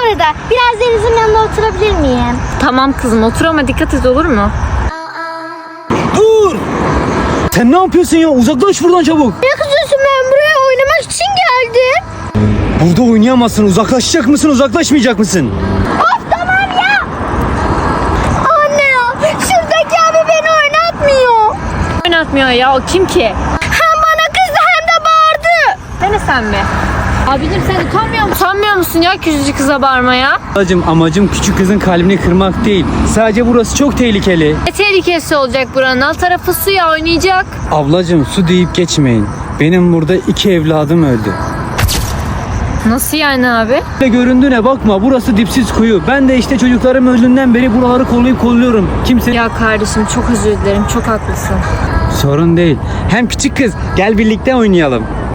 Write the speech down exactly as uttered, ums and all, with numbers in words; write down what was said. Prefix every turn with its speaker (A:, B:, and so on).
A: arada biraz Deniz'in yanında oturabilir miyim?
B: Tamam kızım, otur ama dikkat et, olur mu?
C: Dur! Sen ne yapıyorsun ya? Uzaklaş buradan çabuk.
A: Ne kızıyorsun, ben buraya oynamak için geldim.
C: Burada oynayamazsın. Uzaklaşacak mısın, uzaklaşmayacak mısın?
A: Of tamam ya. Anne ya, şuradaki abi beni oynatmıyor.
B: Oynatmıyor ya, o kim ki?
A: Hem bana kızdı hem de bağırdı.
B: Dene sen mi? Abicim sen utanmıyor musun? Utanmıyor musun ya küçücük kıza bağırmaya?
C: Ablacığım, amacım küçük kızın kalbini kırmak değil. Sadece burası çok tehlikeli.
B: Ne tehlikesi olacak buranın? Alt tarafı suya, oynayacak.
C: Ablacığım, su deyip geçmeyin. Benim burada iki evladım öldü.
B: Nasıl yani abi?
C: Böyle göründüğüne bakma, burası dipsiz kuyu. Ben de işte çocuklarım öldüğünden beri buraları kollayıp kolluyorum. Kimse...
B: Ya kardeşim çok özür dilerim, çok haklısın.
C: Sorun değil. Hem küçük kız, gel birlikte oynayalım.